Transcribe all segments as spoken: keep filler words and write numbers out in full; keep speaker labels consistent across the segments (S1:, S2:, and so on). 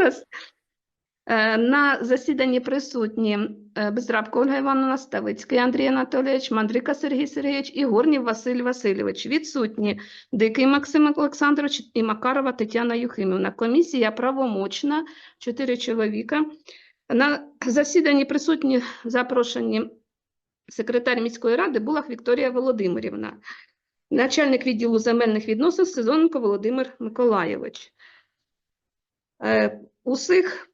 S1: Зараз. На засіданні присутні Бездрабко Ольга Івановна, Ставицький Андрій Анатолійович, Мандрика Сергій Сергійович і Горнів Василь Васильович. Відсутні Дикий Максим Олександрович і Макарова Тетяна Юхимівна. Комісія правомочна, чотири чоловіка. На засіданні присутні запрошені секретар міської ради Булах Вікторія Володимирівна, начальник відділу земельних відносин Сезоненко Володимир Миколайович. Усіх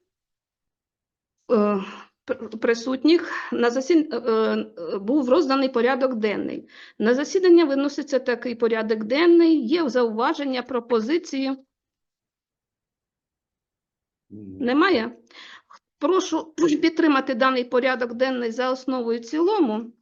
S1: присутніх на засіданні був розданий порядок денний. На засідання виноситься такий порядок денний. Є зауваження, пропозиції? Немає? Прошу підтримати даний порядок денний за основу і в цілому.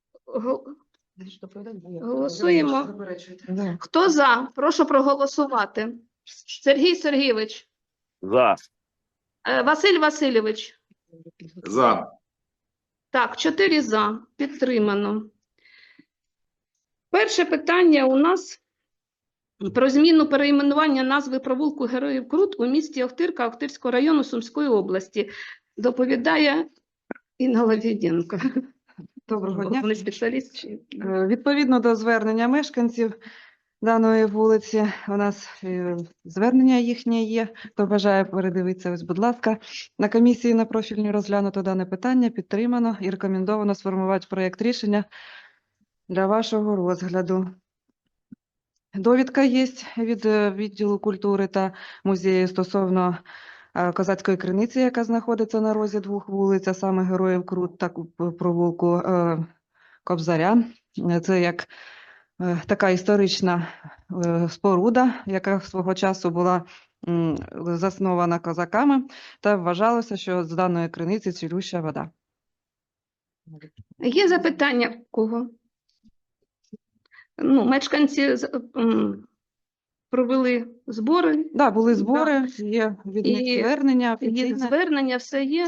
S1: Голосуємо. Хто за? Прошу проголосувати. Сергій Сергійович.
S2: За.
S1: Василь Васильович.
S2: За.
S1: Так, чотири за. Підтримано. Перше питання у нас про зміну перейменування назви провулку Героїв Крут у місті Охтирка Охтирського району Сумської області. Доповідає Інна Лавіденко.
S3: Доброго дня.
S1: Вони спеціаліст чи...
S3: Відповідно до звернення мешканців даної вулиці, у нас е, звернення їхнє є. Хто бажає передивитися, ось, будь ласка. На комісії на профільній розглянуто дане питання, підтримано і рекомендовано сформувати проєкт рішення для вашого розгляду. Довідка є від відділу культури та музею стосовно е, Козацької криниці, яка знаходиться на розі двох вулиць, а саме Героїв Крут та провулку е, Кобзаря. Це як е, така історична е, споруда, яка свого часу була м, заснована козаками, та вважалося, що з даної криниці цілюща вода.
S1: Є запитання в кого? Ну, мешканці м, провели збори.
S3: Так, да, були збори, є від них
S1: І
S3: звернення.
S1: Є
S3: офіційне.
S1: звернення, все є.
S3: Е,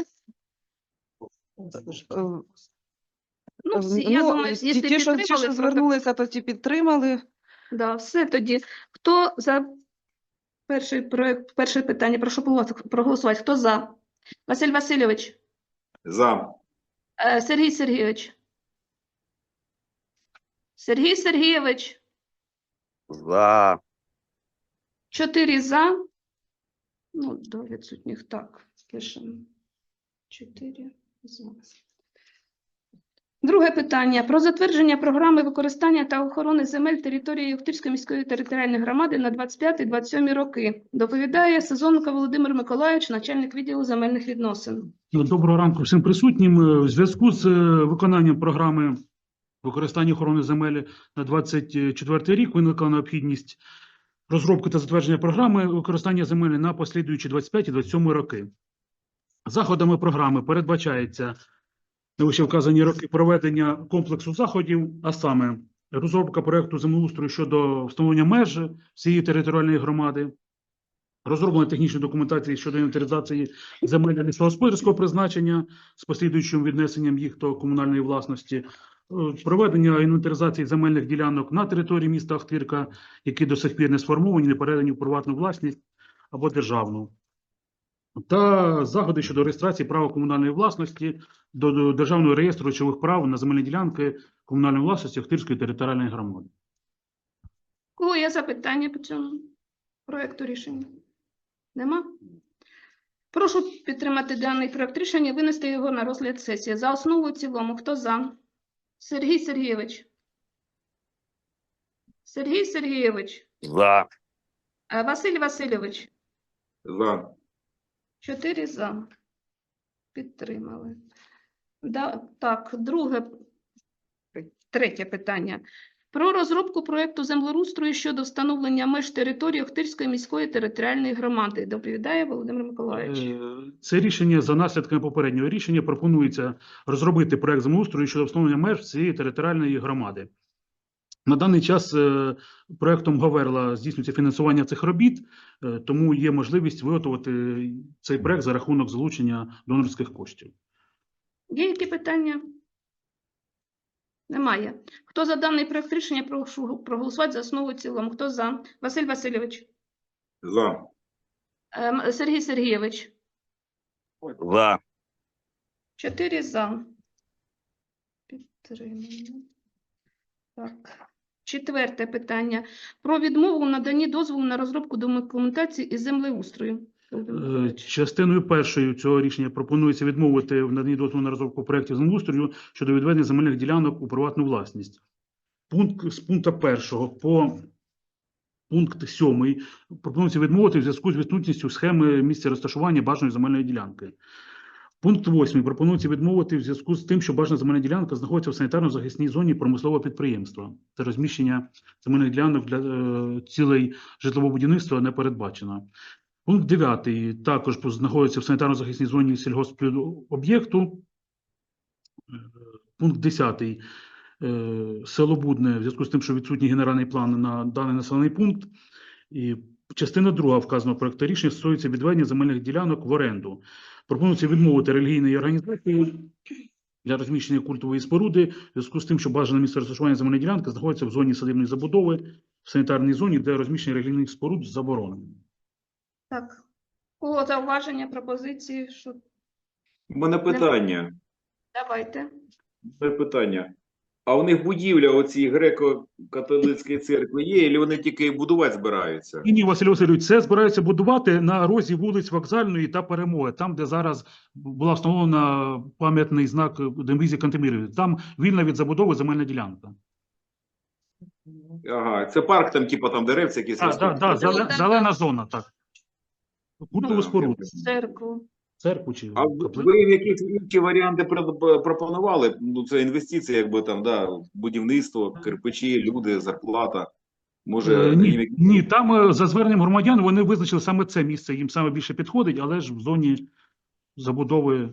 S1: Ну, всі, я
S3: Ну,
S1: думаю,
S3: ті,
S1: якщо
S3: ті, що, ті,
S1: підтримали,
S3: що звернулися, то ті підтримали.
S1: да, все тоді. Хто за перший проект, перше питання, прошу проголосувати. Хто за? Василь Васильович.
S2: За.
S1: Е, Сергій Сергійович. Сергій Сергійович.
S2: За.
S1: Чотири за. Ну, до відсутніх так. Пишемо. Чотири за. Друге питання. Про затвердження програми використання та охорони земель території Охтирської міської територіальної громади на двадцять п'ятий - двадцять сьомий роки. Доповідає Сезоненко Володимир Миколайович, начальник відділу земельних відносин.
S4: Доброго ранку всім присутнім. У зв'язку з виконанням програми використання охорони земель на двадцять четвертий рік виникла необхідність розробки та затвердження програми використання земель на послідуючі двадцять п'ятий - двадцять сьомий роки. Заходами програми передбачається на вище вказані роки проведення комплексу заходів, а саме розробка проєкту землеустрою щодо встановлення меж всієї територіальної громади, розроблення технічної документації щодо інвентаризації земель лісогосподарського призначення з послідуючим віднесенням їх до комунальної власності, проведення інвентаризації земельних ділянок на території міста Охтирка, які до сих пір не сформовані, не передані в приватну власність або державну, та заходи щодо реєстрації права комунальної власності до Державного реєстру речових прав на земельні ділянки комунальної власності Охтирської територіальної громади.
S1: Кого є запитання по цьому проєкту рішення? Нема? Прошу підтримати даний проєкт рішення і винести його на розгляд сесії. За основу і в цілому. Хто за? Сергій Сергійович. Сергій Сергійович.
S2: За.
S1: Василь Васильович.
S2: За.
S1: Чотири за. Підтримали. Да, так, друге, третє питання. Про розробку проєкту землеустрою щодо встановлення меж території Охтирської міської територіальної громади. Доповідає Володимир Миколайович.
S4: Це рішення за наслідками попереднього рішення пропонується розробити проєкт землеустрою щодо встановлення меж цієї територіальної громади. На даний час проєктом Говерла здійснюється фінансування цих робіт, тому є можливість виготовити цей проєкт за рахунок залучення донорських коштів.
S1: Є які питання? Немає. Хто за даний проєкт рішення, прошу проголосувати за основу і в цілому. Хто за? Василь Васильович.
S2: За.
S1: Сергій Сергійович.
S2: За.
S1: Чотири за. Підтримано. Так. Четверте питання. Про відмову в наданні дозволу на розробку документації із землеустрою.
S4: Е, Частиною першою цього рішення пропонується відмовити в наданні дозволу на розробку проєктів землеустрою щодо відведення земельних ділянок у приватну власність. Пункт з пункту першого по пункт сьомий пропонується відмовити в зв'язку з відсутністю схеми місця розташування бажаної земельної ділянки. Пункт восьмий пропонується відмовити в зв'язку з тим, що бажана земельна ділянка знаходиться в санітарно-захисній зоні промислового підприємства. Це розміщення земельних ділянок для е, цілей житлового будівництва не передбачено. Пункт дев'ятий також знаходиться в санітарно-захисній зоні сільгоспоб'єкту. Е, Пункт десятий. Е, Село Будне в зв'язку з тим, що відсутній генеральний план на даний населений пункт. І частина друга вказаного проекту рішення стосується відведення земельних ділянок в оренду. Пропонується відмовити релігійної організації для розміщення культової споруди в зв'язку з тим, що бажане місце розташування земельної ділянки знаходиться в зоні садибної забудови, в санітарній зоні, де розміщення релігійних споруд заборонено.
S1: Так. У кого зауваження, пропозиції? Що...
S2: У мене питання.
S1: Давайте.
S2: У мене питання. А у них будівля оцій греко-католицької церкви є, чи вони тільки будувати збираються?
S4: І ні, Василь Васильович, це збираються будувати на розі вулиць Вокзальної та Перемоги, там, де зараз була встановлена пам'ятний знак Дембізі Кантемірові. Там вільна від забудови земельна ділянка.
S2: Ага, це парк там, типу, там деревця якісь.
S4: Так, так, так,
S1: зелена-
S4: зелена зона, так. Культову
S2: Так,
S4: споруду,
S1: Церкву.
S4: церкву чи
S2: А ви
S4: каплицю.
S2: ви якісь інші варіанти про- пропонували? Ну, це інвестиції, якби там, да, будівництво, кирпичі, люди, зарплата. Може,
S4: Е, Ні,
S2: їм якісь-
S4: ні, там е, за зверненням громадян вони визначили саме це місце, їм саме більше підходить, але ж в зоні забудови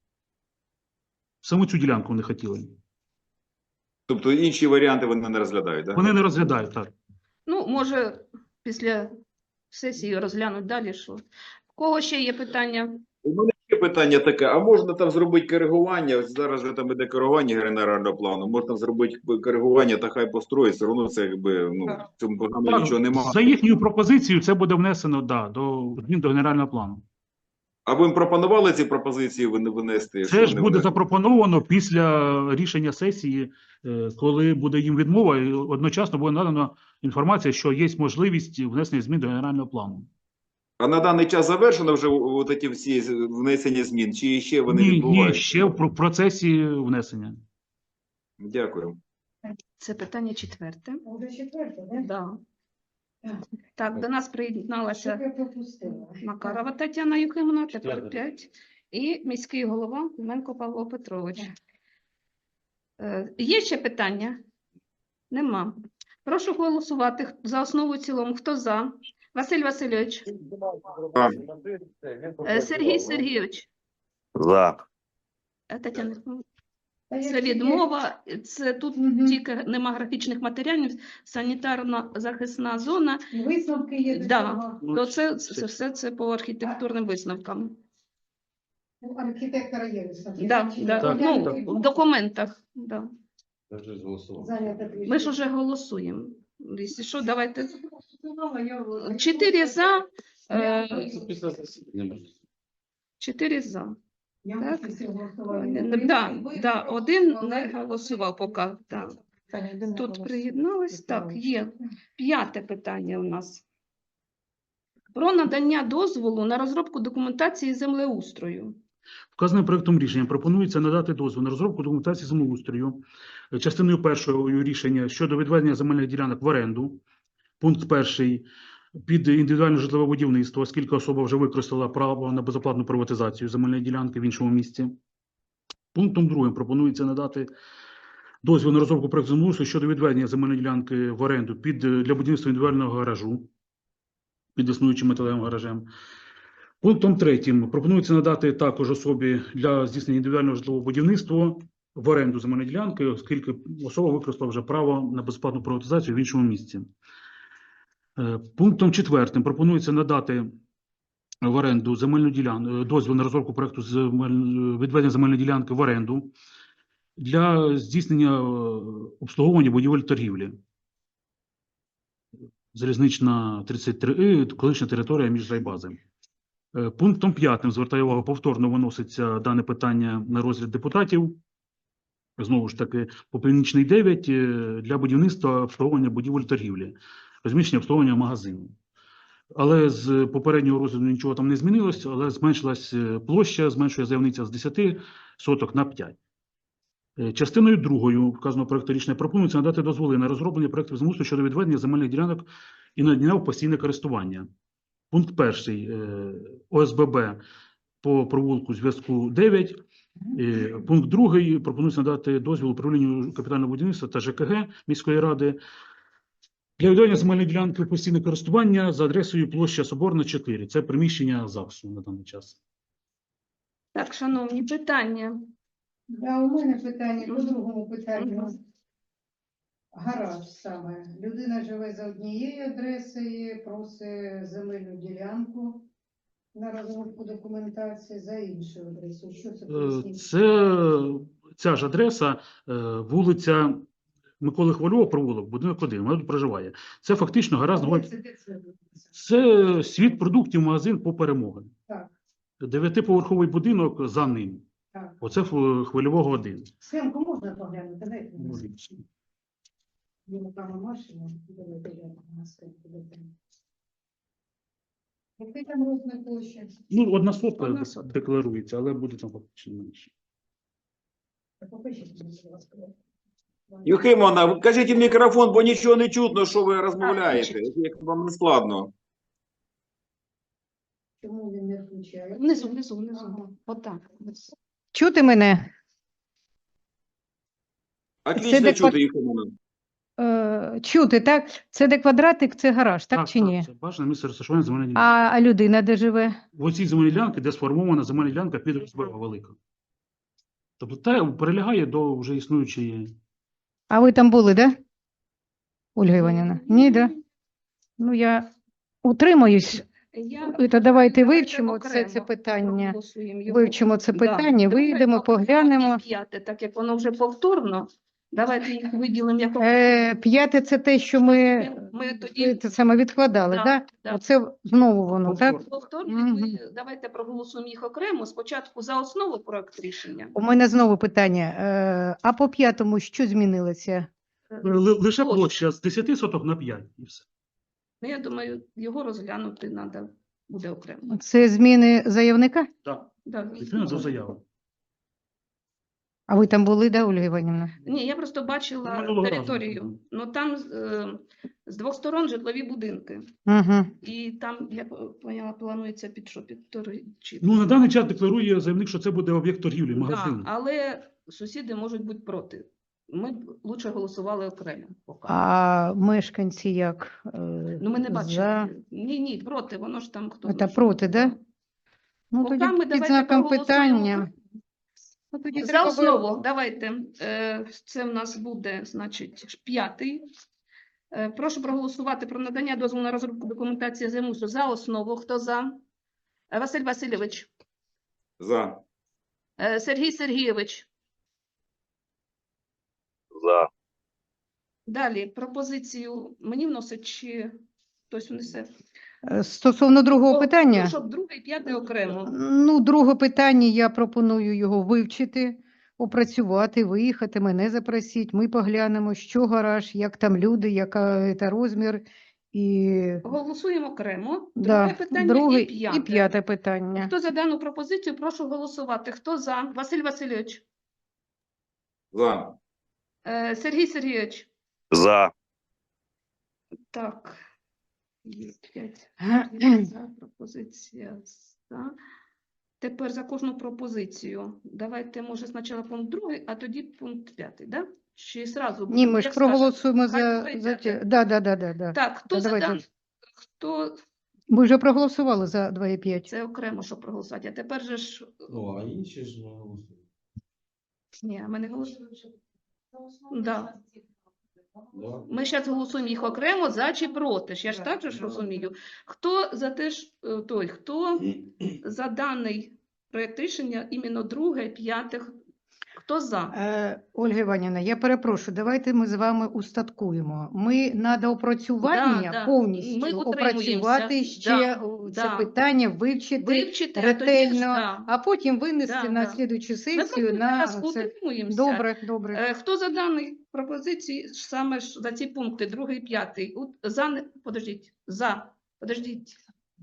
S4: саме цю ділянку вони хотіли.
S2: тобто інші варіанти вони не розглядають, так?
S4: Вони не розглядають, так.
S1: Ну, може, після сесії розглянуть далі, що. В кого ще є питання?
S2: У мене є питання таке, а можна там зробити коригування? Ось зараз же там іде коригування генерального плану, можна зробити коригування та хай построїть, все одно це якби, ну, в цьому програмі
S4: Так,
S2: нічого немає.
S4: за їхньою пропозицією це буде внесено, да, до змін до генерального плану.
S2: А ви їм пропонували ці пропозиції вин- винести? що
S4: Це ж
S2: вони
S4: буде
S2: внесли?
S4: запропоновано після рішення сесії, е, коли буде їм відмова, і одночасно буде надана інформація, що є можливість внесення змін до генерального плану.
S2: А на даний час завершено вже от ці всі внесення змін, чи ще вони
S4: Ні, ні,
S2: відбуваються?
S4: ще в про- процесі внесення.
S2: Дякую.
S1: Це питання четверте.
S5: Уже четверте, да?
S1: Да.
S5: Так.
S1: Так, до нас
S5: Що
S1: приєдналася
S5: я пропустила?
S1: Макарова Тетяна Юхимовна, тепер п'ять, і міський голова Клименко Павло Петрович. Е, Є ще питання? Нема. Прошу голосувати за основу і в цілому. Хто за? Василь Васильович.
S2: За.
S1: Е, Сергій Сергійович.
S2: За.
S1: Е, Тетяна Юхимовна.
S5: Та я
S1: Це
S5: тільки-
S1: відмова. Це тут
S5: Мгм.
S1: тільки нема графічних матеріалів, санітарно-захисна зона.
S5: Висновки є до
S1: Да.
S5: цього.
S1: То це, це все це по архітектурним висновкам.
S5: У архітектора є висновки.
S1: Да, да.
S4: Так,
S1: Ну,
S4: так.
S1: в документах. Да.
S5: Зайнята
S1: Ми ж вже голосуємо. Якщо що, давайте.
S5: Я-
S1: Чотири за.
S5: Я
S1: Е, чотири за.
S5: Я
S1: так.
S5: після голосування
S1: Е,
S5: не
S1: Да,
S5: вийшла,
S1: да,
S5: вийшла,
S1: один
S5: але-
S1: не голосував поки. Так.
S3: Таня, йди на
S1: Тут
S3: голос.
S1: приєднались. Так, є. П'яте питання у нас. Про надання дозволу на розробку документації землеустрою.
S4: Вказаним проектом рішення пропонується надати дозвіл на розробку документації землеустрою. Е, Частиною першою рішення щодо відведення земельних ділянок в оренду. Пункт перший під індивідуальне житлове будівництво, оскільки особа вже використала право на безоплатну приватизацію земельної ділянки в іншому місці. Пунктом другим пропонується надати дозвіл на розробку проекту землеустрою щодо відведення земельної ділянки в оренду під е, для будівництва індивідуального гаражу під існуючим металевим гаражем. Пунктом третім пропонується надати також особі для здійснення індивідуального житлового будівництва в оренду земельної ділянки, оскільки особа використала вже право на безплатну приватизацію в іншому місці. Е, Пунктом четвертим пропонується надати в оренду земельну ділянку, дозвіл на розробку проекту земель- відведення земельної ділянки в оренду для здійснення е, обслуговування будівель торгівлі. Залізнична тридцять три І, колишня територія між райбазами. Е, Пунктом п'ятим, звертаю увагу, повторно виноситься дане питання на розгляд депутатів. Знову ж таки, по Північний дев'ять е, для будівництва обслуговування будівель торгівлі, розміщення обслуговування магазину. Але з попереднього розгляду нічого там не змінилось, але зменшилась е, площа, зменшує заявниця з десяти соток на п'ять. Е, Частиною другою вказаного проекту рішення пропонується надати дозволи на розроблення проектів землеустрою щодо відведення земельних ділянок і надання в постійне користування. Пункт перший е, ОСББ по провулку зв'язку дев'ять. Е, Пункт другий пропонується надати дозвіл управлінню капітального будівництва та ЖКГ міської ради для відведення земельної ділянки в постійне користування за адресою площа Соборна, чотири. Це приміщення ЗАГСу на даний час.
S1: Так, шановні, питання.
S5: Да, у мене питання по другому питанню.
S1: Мгм.
S5: Гараж саме. Людина живе за однією адресою, просить земельну ділянку на розробку документації за іншу адресу. Що це
S4: Е,
S5: поясніть?
S4: Це ця ж адреса, е, вулиця Миколи Хвильова, провулок, будинок один, вона тут проживає. Це фактично гаразд.
S5: Де це, де це?
S4: Це світ продуктів, магазин по перемоги.
S5: Так,
S4: Дев'ятиповерховий будинок за ним.
S5: так.
S4: Оце Хв- Хвильового один.
S5: Схемку можна поглянути? Дайте мені. Йому прямо машину. Давайте глянемо на схемку. дайте. Який там розмір площі?
S4: Ну, одна сотка
S1: Одна сотка.
S4: декларується, але буде там фактично менше.
S5: Покажіть, будь ласка.
S2: Юхимовна, ви кажіть в мікрофон, бо нічого не чутно, що ви розмовляєте. Як вам не складно.
S5: Чому він не включає?
S1: Внизу, внизу, внизу.
S5: Ага.
S1: Отак.
S6: Чути мене?
S2: Отлично
S6: де
S2: чути, Юхимовна.
S6: Е, чути, так? Це де квадратик, це гараж, так, чи ні?
S4: Це бажане місце розташування земельної
S6: А,
S4: ділянки.
S6: а людина де живе?
S4: В оцій земельній ділянці, де сформована земельна ділянка під ОСББ велика. Тобто те прилягає до вже існуючої.
S6: А ви там були, да? Ольга Іванівна? Ні, да? Ну, я утримуюсь.
S1: Я...
S6: І то давайте вивчимо
S1: окремо
S6: це, це питання.
S1: проголосуємо його.
S6: Вивчимо це
S1: Да.
S6: питання,
S1: Друге,
S6: вийдемо,
S1: окремо
S6: поглянемо.
S1: і п'яте, так як воно вже повторно, давайте їх виділимо як
S6: Е, п'яте це те, що ми,
S1: Ми тоді-
S6: це саме відкладали,
S1: Да,
S6: так?
S1: да.
S6: Оце знову воно, так?
S1: повторні,
S6: Мгм.
S1: ми давайте проголосуємо їх окремо. Спочатку за основу проект рішення.
S6: У мене знову питання. Е, а по п'ятому що змінилося?
S4: Ли- Лише
S1: Площа.
S4: площа з десяти соток на п'ять. І все.
S1: Ну, я думаю, його розглянути треба буде окремо.
S6: Це зміни заявника?
S4: Так,
S1: Да.
S4: відповідно до заяви.
S6: А ви там були, да, Ольга Іванівна?
S1: Ні, я просто бачила
S4: Минулого разу.
S1: територію. Ну там е, з двох сторон житлові будинки.
S6: Угу.
S1: І там, я поняла, планується під що? Під торгівлі.
S4: Ну, на даний час декларує заявник, що це буде об'єкт торгівлі, магазин.
S1: Да, але сусіди можуть бути проти. Ми б лучше голосували окремо. Поки.
S6: А мешканці як? Е,
S1: Ну, ми не бачили.
S6: за?
S1: Ні, ні, проти, воно ж там хто.
S6: Це
S1: знає, що
S6: проти,
S1: буде.
S6: да? Ну,
S1: Поки
S6: тоді
S1: ми
S6: під
S1: давайте
S6: знаком
S1: проголосуємо.
S6: питання. Ну, тоді
S1: За
S6: треба
S1: основу, давайте. Е, Це в нас буде, значить, п'ятий. Е, Прошу проголосувати про надання дозволу на розробку документації землеустрою за основу. Хто за? Е, Василь Васильович.
S2: За.
S1: Е, Сергій Сергійович.
S7: За.
S1: Далі пропозицію мені вносить чи хтось внесе?
S6: Е, Стосовно другого
S1: О,
S6: питання,
S1: ну, щоб друге і п'яте окремо.
S6: ну, друге питання, я пропоную його вивчити, опрацювати, виїхати, мене запросіть, ми поглянемо, що гараж, як там люди, яка це розмір, і
S1: Голосуємо окремо. Друге
S6: да,
S1: питання
S6: друге
S1: і п'яте.
S6: і п'яте питання.
S1: Хто за дану пропозицію, прошу голосувати. Хто за? Василь Васильович.
S2: За.
S1: Е, Сергій Сергійович.
S7: За.
S1: Так. Є п'ять. За, пропозиція за. Тепер за кожну пропозицію. Давайте, може, спочатку пункт другий, а тоді пункт п'ятий, да? Чи зразу?
S6: Ні, ми ж
S1: як скажете?
S6: проголосуємо
S1: Хай
S6: за,
S1: друге і
S6: за
S1: п'яте.
S6: ті- да, да, да, да, да.
S1: Так, хто
S6: Та
S1: за
S6: давайте.
S1: дан... Хто...
S6: Ми вже проголосували за два і п'ять.
S1: Це окремо, щоб проголосувати. А тепер же ж...
S8: Ну, а інші ж не голосують.
S1: Ні, ми не голосуємо. Да.
S8: Да?
S1: Ми зараз голосуємо їх окремо за чи проти. ж Я ж так же ж розумію. Хто за те ж е, той, хто за даний проєкт рішення іменно друге, п'яте, Хто за?
S6: Е, Ольга Іванівна, я перепрошую, давайте ми з вами устаткуємо. Ми на доопрацювання
S1: Да, да.
S6: повністю
S1: Ми
S6: опрацювати
S1: утримуємося.
S6: ще
S1: Да,
S6: о, це
S1: да.
S6: питання, вивчити
S1: Вивчити, а тоді ж,
S6: ретельно,
S1: да.
S6: а потім винести
S1: Да,
S6: на
S1: да.
S6: слідуючу
S1: Ми
S6: сесію
S1: просто
S6: на
S1: зараз
S6: це.
S1: утримуємося.
S6: Добре, добре.
S1: Е, Хто за дані пропозиції, саме ж за ці пункти, другий, п'ятий? У- За, не- подождіть, за, подождіть,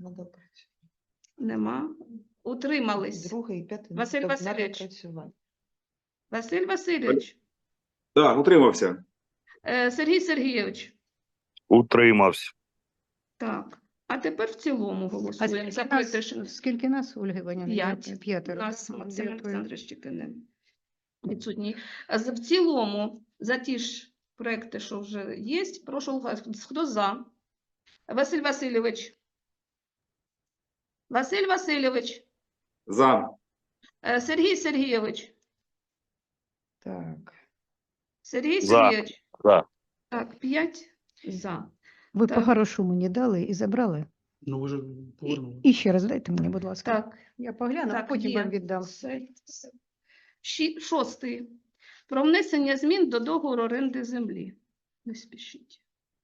S1: нема. Утримались.
S3: Другий і п'ятий.
S1: Василь
S3: Тобто надо
S1: Васильович.
S3: працювати.
S1: Василь Васильович,
S2: Так, утримався.
S1: е, Сергій Сергійович.
S7: Утримався.
S1: Так, а тепер в цілому
S6: А
S1: голосуємо
S6: скільки
S1: за
S6: нас,
S1: проект рішення.
S6: скільки нас, Ольга Іванівна?
S1: П'ять. У
S6: П'ятеро.
S1: нас
S6: так?
S1: Максим
S6: Дякую.
S1: Олександрович тільки не відсутній. А з- В цілому за ті ж проекти, що вже є, прошу голосувати. Хто за? Василь Васильович. Василь Васильович.
S2: За.
S1: Е, Сергій Сергійович.
S6: Так.
S1: Сергій
S7: За.
S1: Сергійович.
S7: За.
S1: Так, п'ять за.
S6: Ви
S1: Так.
S6: по-хорошому мені дали і забрали?
S4: Ну, ви ж повернули.
S6: І ще раз дайте мені, будь ласка.
S1: Так,
S6: Я погляну, а
S1: так,
S6: потім
S1: є.
S6: вам віддам.
S1: Все, все. Ші- Шостий. Про внесення змін до договору оренди землі. Не спішіть.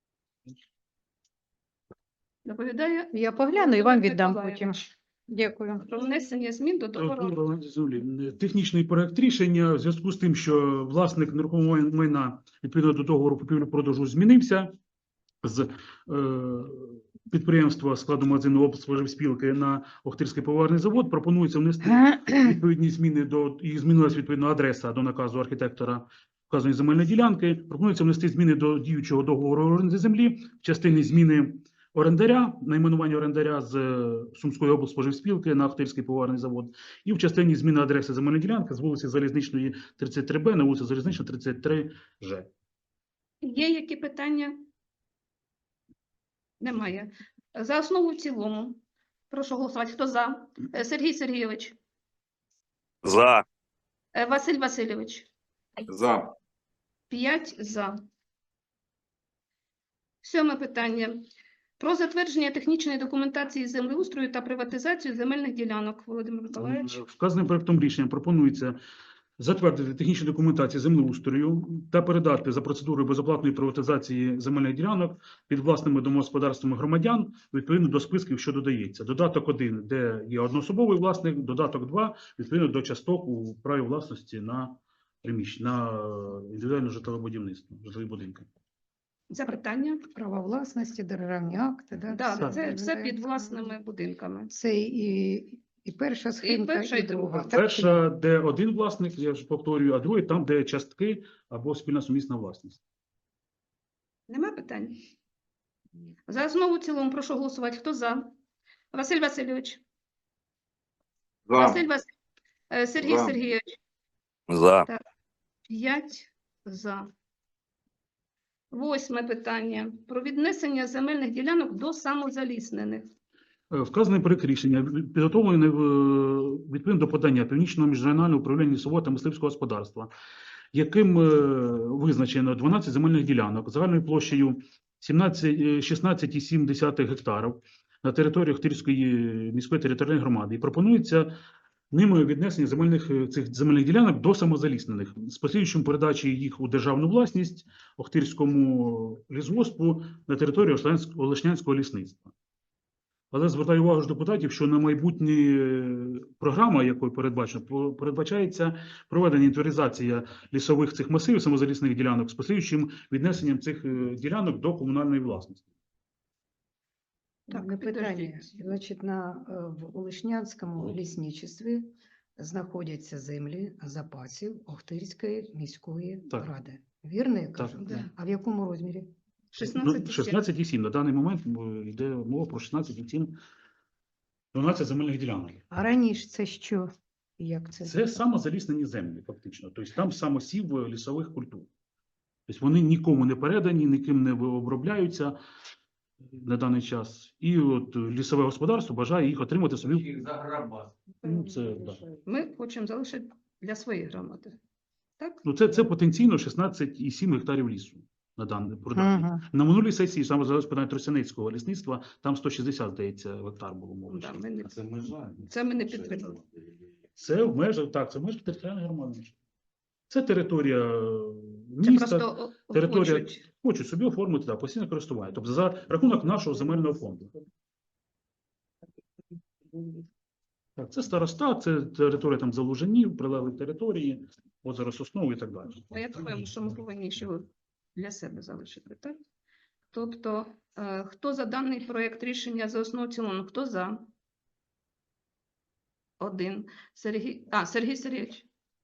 S1: Доповідає
S6: Я погляну і вам
S1: Володимир
S6: віддам
S1: Миколайович.
S6: потім. Дякую.
S1: Про внесення змін до договору.
S4: Договору землі. Технічний проект рішення в зв'язку з тим, що власник нерухомого майна відповідно до договору купівлі-продажу змінився з е, підприємства складу магазину облспоживспілки на Охтирський поварний завод. Пропонується внести відповідні зміни до і змінилась відповідно адреса до наказу архітектора вказаної земельної ділянки. Пропонується внести зміни до діючого договору оренди землі в частині зміни орендаря, найменування орендаря з е, Сумської облспоживспілки на Охтирський поварний завод, і в частині зміни адреси земельної ділянки з вулиці Залізничної тридцять три Б на вулицю Залізнична тридцять три Ж.
S1: Є які питання? Немає. За основу і в цілому. Прошу голосувати. Хто за? Е, Сергій Сергійович.
S7: За.
S1: Е, Василь Васильович.
S2: За.
S1: П'ять за. Сьоме питання. Про затвердження технічної документації землеустрою та приватизацію земельних ділянок. Володимир Миколаївич.
S4: Вказаним проектом рішення пропонується затвердити технічну документацію землеустрою та передати за процедурою безоплатної приватизації земельних ділянок під власними домогосподарствами громадян відповідно до списків, що додається. Додаток один, де є одноособовий власник, додаток два, відповідно до часток у праві власності на приміщення, на індивідуальне житлове будівництво, житлові будинки.
S1: Запитання?
S6: Права власності, державні акти. Да?
S1: Так,
S6: все
S1: це все
S6: да.
S1: під власними будинками.
S6: Це і, і перша схемка,
S1: перша, і друга.
S6: друга. Так,
S4: Перша, де один власник, я ж повторюю, а друге там, де частки або спільна сумісна власність.
S1: Нема питань? За основу в цілому прошу голосувати. Хто за? Василь Васильович.
S2: За.
S1: Василь Вас... е, Сергій
S2: За.
S1: Сергійович.
S7: За.
S1: П'ять за. Восьме питання. Про віднесення земельних ділянок до самозаліснених.
S4: Е, Вказаний проект рішення підготовлений в- відповідно до подання Північного міжрегіонального управління лісового та мисливського господарства, яким е, визначено дванадцять земельних ділянок загальною площею сімнадцять, е, шістнадцять цілих сім десятих гектарів на території Охтирської міської територіальної громади. І пропонується ними віднесення земельних е, цих земельних ділянок до самозаліснених з послідуючим передачі їх у державну власність Охтирському лісгоспу на території Олешнянськ- Олешнянського лісництва. Але звертаю увагу ж депутатів, що на майбутнє е, програма, якою передбачено, по- передбачається проведення інвентаризація лісових цих масивів самозалісних ділянок з послідуючим віднесенням цих е, ділянок до комунальної власності.
S1: Так,
S6: Так, питання.
S1: підождіть.
S6: Значить, на, е, в Олешнянському лісничестві знаходяться землі запасів Охтирської міської
S4: Так.
S6: ради. Вірно я
S4: Так.
S6: кажу?
S1: Да.
S6: А в якому розмірі?
S1: шістнадцять
S4: Ну, шістнадцять цілих сім. На даний момент е, йде мова про шістнадцять цілих сім дванадцять земельних ділянок.
S6: А раніше це що? Як це?
S4: Це самозаліснені землі, фактично. Тобто там самосів е, лісових культур. Тобто вони нікому не передані, ніким не обробляються на даний час. І от е, лісове господарство бажає їх отримати собі.
S8: Їх заграбати.
S4: Ну, це, да.
S1: Ми хочемо залишити для своєї громади. Так?
S4: Ну, це, це потенційно шістнадцять цілих сім гектарів лісу на даний продаж.
S6: Ага.
S4: На минулій сесії саме за питання Тростянецького лісництва там сто шістдесят, здається, гектар було мови.
S1: Да, ми не...
S8: А це межа.
S1: Це ми не підтримали.
S4: Це в межах, так, це в межах територіальної громади. Це територія е,
S1: Це
S4: міста,
S1: просто о-
S4: територія
S1: хочуть.
S4: хочуть собі оформити да, постійне користування, тобто за рахунок нашого земельного фонду. Так, це староста, це територія там Залужинів, прилеглих території, озеро Соснове і так далі.
S1: А я думаю, що ми повинні ще для себе залишити, так? Тобто, е, хто за даний проект рішення за основу в цілому? Хто за? Один. Сергій, а, Сергій Сергійович.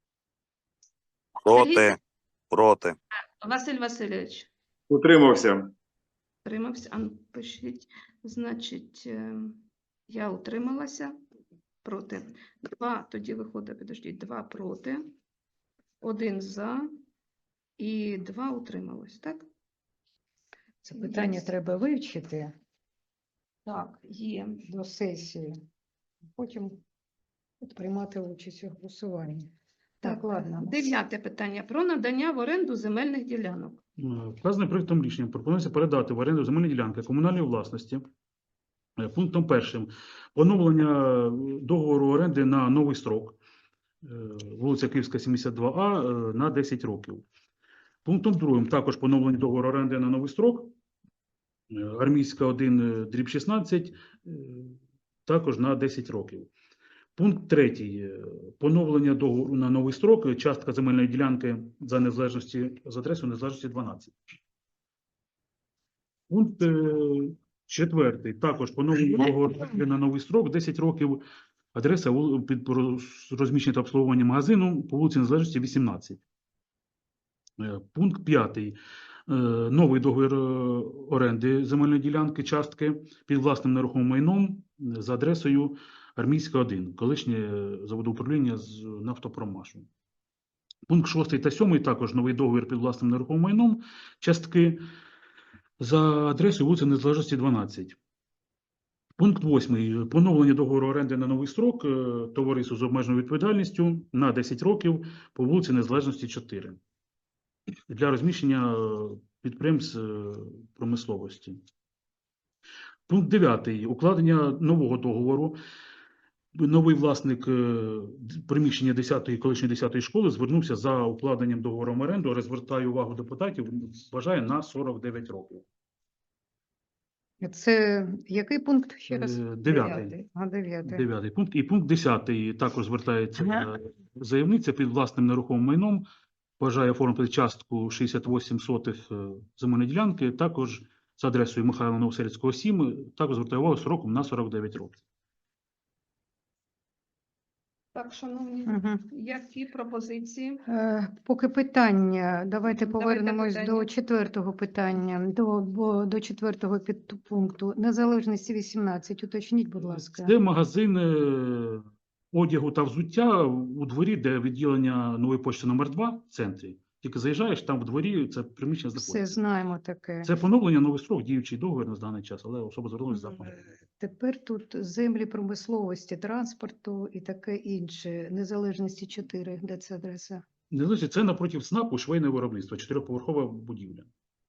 S7: Проти. Проти.
S1: Василь Васильович.
S2: Утримався.
S1: Утримався. А ну, пишіть. Значить, е, я утрималася. Проти. Два, тоді виходить, підождіть, два проти, один за і два утрималось, так?
S6: Це питання
S1: Є.
S6: треба вивчити
S1: Так, є.
S6: до сесії, потім приймати участь у голосуванні. Так, ладно.
S1: Дев'яте питання. Про надання в оренду земельних ділянок.
S4: Е, Вказаним проектом рішення пропонується передати в оренду земельні ділянки комунальної власності. Е, Пунктом першим поновлення е, договору оренди на новий строк, е, вулиця Київська, сімдесят два А, е, на десять років. Пунктом другим також поновлення договору оренди на новий строк, е, Армійська один, е, дріб шістнадцять, е, також на десять років. Пункт третій. е, Поновлення договору на новий строк, е, частка земельної ділянки за незалежності з адресою незалежності дванадцять. Пункт е, четвертий. Також поновлення договору оренди на новий строк, десять років, адреса вул- під роз- розміщення та обслуговування магазину по вулиці Незалежності вісімнадцять. Е, Пункт п'ятий. Е, Новий договір е, оренди земельної ділянки, частки під власним нерухомим майном е, за адресою Армійська один, колишнє е, заводоуправління з Нафтопромашу. Пункт шостий та сьомий також новий договір під власним нерухомим майном, частки за адресою вулиця Незалежності дванадцять. Пункт восьмий. Поновлення договору оренди на новий строк е, товариству з обмеженою відповідальністю на десять років по вулиці Незалежності чотири для розміщення е, підприємств е, промисловості. Пункт дев'ятий. Укладення нового договору. Новий власник е, приміщення десятої, колишньої десятої школи звернувся за укладенням договору оренду, розвертаю увагу депутатів, вважає на сорок дев'ять років.
S6: Це який пункт ще раз?
S4: Е, Дев'ятий.
S6: А, дев'ятий.
S4: Дев'ятий пункт. І пункт десятий також звертається е, заявниця під власним нерухомим майном, бажає оформити частку шістдесят вісім сотих е, земельної ділянки, також з адресою Михайла Новосельського, сім, також звертає увагу сроком на сорок дев'ять років.
S1: Так, шановні,
S6: Мгм.
S1: які пропозиції?
S6: Е, Поки питання, давайте
S1: Давайте
S6: повернемось до
S1: питання.
S6: четвертого питання, до, бо, до четвертого підпункту. Незалежності вісімнадцять, уточніть, будь ласка.
S4: Це магазин е, одягу та взуття у дворі, де відділення Нової пошти номер два в центрі. Тільки заїжджаєш, там в дворі це приміщення
S6: Все,
S4: знаходиться.
S6: знаємо таке.
S4: Це поновлення новий строк, діючий договір на даний час, але особа звернулася за поновлення.
S6: Тепер тут землі промисловості, транспорту і таке інше. Незалежності чотири, де це адреса?
S4: Незалежно, це напротив СНАПу швейне виробництво, чотириповерхова будівля,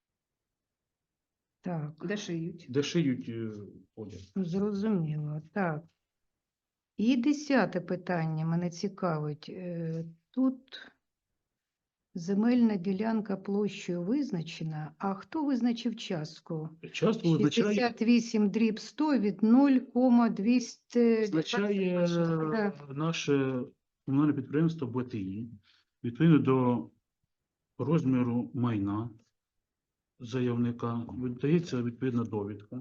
S6: Так,
S1: Де шиють?
S4: де шиють е, одяг.
S6: зрозуміло. Так. І десяте питання мене цікавить. Е, Тут земельна ділянка площею визначена, а хто визначив частку?
S4: Часто визначає,
S6: шістдесят вісім дріб сто від нуль кома двісті
S4: визначає
S6: Да.
S4: е, наше комунальне підприємство Б Т І відповідно до розміру майна заявника. Видається відповідна довідка.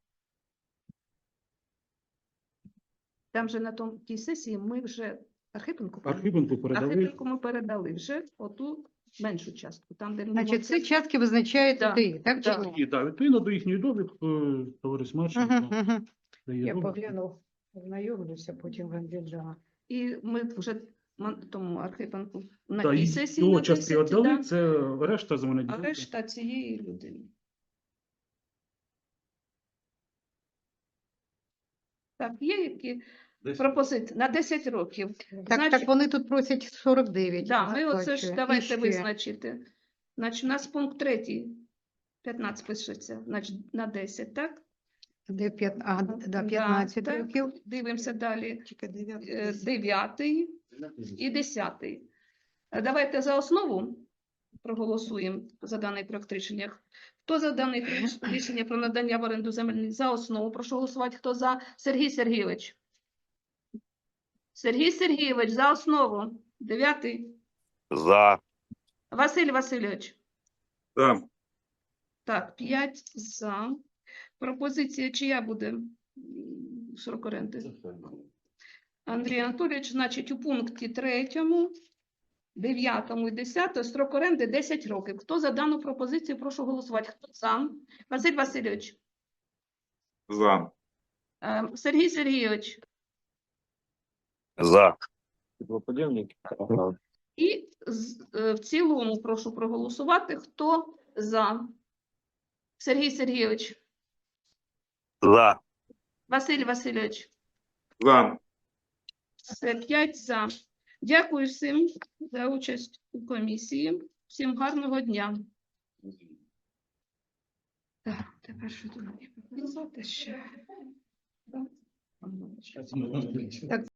S1: Там же на тому тій сесії ми вже Архипенку передали.
S4: Архипенку передали.
S1: Архипенку ми передали вже оту меншу частку. Там, де
S6: Значить, це
S1: це
S6: частки визначають
S1: Да,
S6: ДАІ, так? чи
S1: да.
S6: ні?
S4: І, да, відповідно до їхньої довідки, е, товариш Марченко
S6: Мгм, мгм.
S4: дає
S6: Я
S4: довідку.
S6: поглянув, ознайомлюся, потім вам віддам.
S1: І ми вже ма- тому Архипенку на
S4: Да,
S1: тій
S4: і
S1: сесії
S4: його
S1: на
S4: частки
S1: десять,
S4: віддали,
S1: да,
S4: це решта земельної
S1: а
S4: ділянки.
S1: решта цієї людини. Так, є які
S4: Десь.
S1: пропозиції на десять років.
S6: Так,
S1: Значить-
S6: так вони тут просять сорок дев'ять.
S1: Да, ми оце
S6: бачу.
S1: ж
S6: І
S1: давайте
S6: ще.
S1: визначити. Значить, у нас пункт третій, п'ятнадцять пишеться, значить, на десять, так?
S6: Де п'ят... а, да,
S1: Да,
S6: п'ятнадцять
S1: так.
S6: років.
S1: Дивимося далі. Е, Дев'ятий і десятий. Е, Давайте за основу проголосуємо за даний проект рішення. Хто за даний проект рішення про надання в оренду земельних за основу? Прошу голосувати. Хто за? Сергій Сергійович. Сергій Сергійович, за основу. Дев'ятий.
S7: За.
S1: Василь Васильович.
S2: Так.
S1: Так, п'ять за. Пропозиція чия буде? М, Срок оренди. Андрій Анатолійович, значить, у пункті третьому, дев'ятому і десятому строк оренди десять років. Хто за дану пропозицію, прошу голосувати. Хто за? Василь Васильович.
S2: За.
S1: Е, Сергій Сергійович.
S7: За.
S1: І з- е, в цілому прошу проголосувати. Хто за? Сергій Сергійович.
S7: За.
S1: Василь Васильович.
S2: За.
S1: Все, п'ять за. Дякую всім за участь у комісії. Всім гарного дня. Так, тепер що тут мені показати ще? Так.
S6: Так,